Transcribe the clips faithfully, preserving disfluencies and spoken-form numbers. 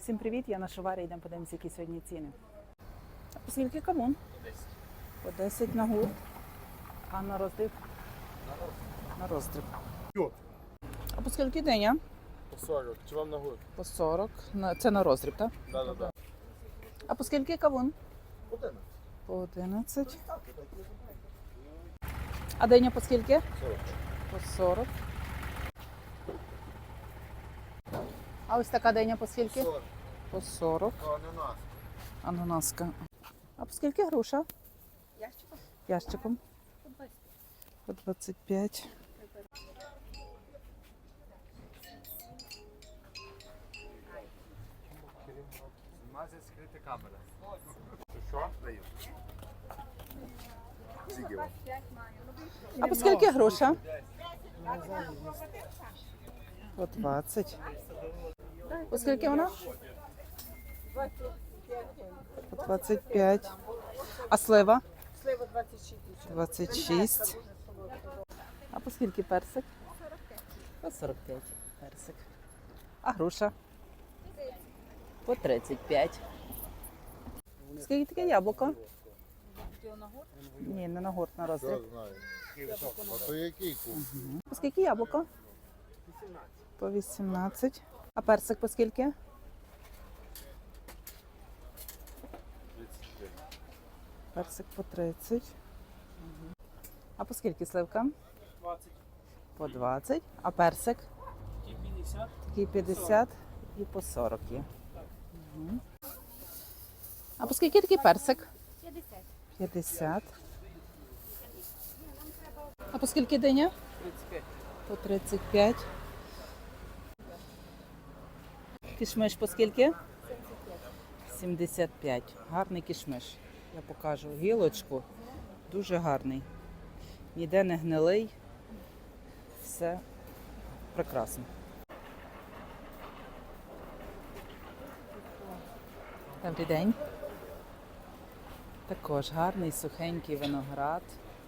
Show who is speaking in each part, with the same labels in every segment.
Speaker 1: Всім привіт, я на Шоварі, йдемо подивимося, які сьогодні ціни. А по скільки кавун? По десять на гурт. А на роздріб? На роздріб. А по скільки диня?
Speaker 2: По сорок. Чи вам на гурт?
Speaker 1: По сорок. Це на роздріб, так?
Speaker 2: Так, так, так.
Speaker 1: А по скільки кавун?
Speaker 2: одинадцять.
Speaker 1: По одинадцять. А диня по скільки?
Speaker 2: сорок.
Speaker 1: По сорок. А ось така диня по скільки?
Speaker 2: сорок.
Speaker 1: По сорок.
Speaker 2: Ананас.
Speaker 1: Ананаска. А по скільки груша?
Speaker 3: Ящиком?
Speaker 1: Ящиком.
Speaker 3: По двадцять.
Speaker 1: По двадцять п'ять.
Speaker 2: Змазать скрита камера. Що? Даю. Скільки вам?
Speaker 1: А по скільки груша? По двадцять. По скільки вона? По двадцять п'ять. А слива?
Speaker 3: Слива двадцять шість.
Speaker 1: двадцять шість. А по скільки персик? По сорок п'ять персик. А груша? По тридцять п'ять. Скільки таке яблуко? Ні, не на гурт, на роздріб.
Speaker 2: Я знаю. А то який куп?
Speaker 1: По скільки яблуко? По вісімнадцять. А персик по скільки? Персик по тридцять. А по скільки сливка?
Speaker 4: двадцять.
Speaker 1: По двадцять. А персик?
Speaker 4: І п'ятдесят.
Speaker 1: Такий п'ятдесят і по сорок є. Мгм. А по скільки такий персик?
Speaker 3: п'ятдесят.
Speaker 1: п'ятдесят. А по скільки диня?
Speaker 4: тридцять п'ять.
Speaker 1: По тридцять п'ять. Кішмиш по скільки? сімдесят п'ять. Гарний кішмиш. Я покажу гілочку. Дуже гарний. Ніде не гнилий. Все прекрасно. Добрий день. Також гарний сухенький виноград.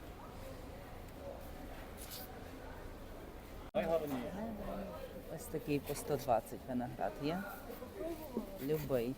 Speaker 1: Ось такий по сто двадцять виноград є. Любий.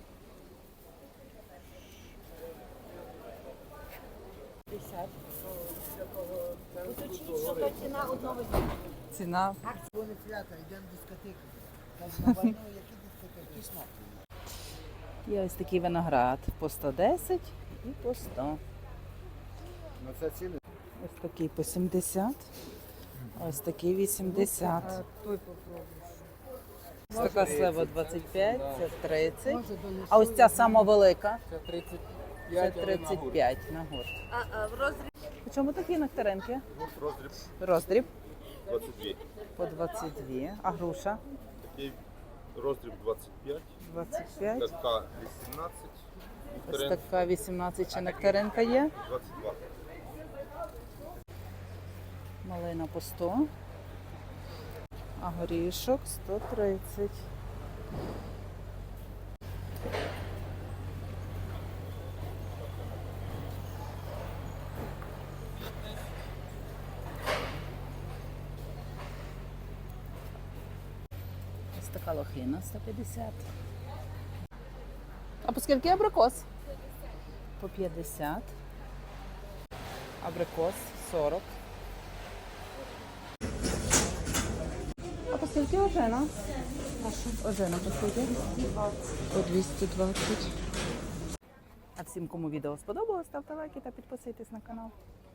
Speaker 3: Уточніть, що то ціна одного дня.
Speaker 1: Ціна
Speaker 5: Вони свята, йдемо в дискотеку. Кажуть, на війну, які дискотеки? Смак.
Speaker 1: є ось такий виноград по сто десять і по сто.
Speaker 2: На це ціни?
Speaker 1: Ось такий по сімдесят. Ось такий вісімдесят.
Speaker 5: Той попробуй.
Speaker 1: Ось така слива двадцять п'ять, це тридцять.
Speaker 5: Може, донесу.
Speaker 1: А ось ця сама велика,
Speaker 2: Це тридцять
Speaker 1: це
Speaker 2: п'ять.
Speaker 1: тридцять п'ять на гурт.
Speaker 3: А, а в розріб
Speaker 1: По чому такі нектаринки?
Speaker 2: Роздріб
Speaker 1: Роздріб
Speaker 2: двадцять два.
Speaker 1: по двадцять два, а груша
Speaker 2: Такий роздріб двадцять п'ять.
Speaker 1: двадцять п'ять.
Speaker 2: Така вісімнадцять.
Speaker 1: Ось
Speaker 2: Вікторин
Speaker 1: така вісімнадцять ще нектаринка є.
Speaker 2: двадцять два.
Speaker 1: Малина по сто, а горішок сто тридцять. Ось така лохина сто п'ятдесят. А по скільки абрикос? По п'ятдесят. Абрикос сорок. А по скільки ожина? Ожина по скільки? По двісті двадцять. А всім, кому відео сподобалось, ставте лайки та підписуйтесь на канал.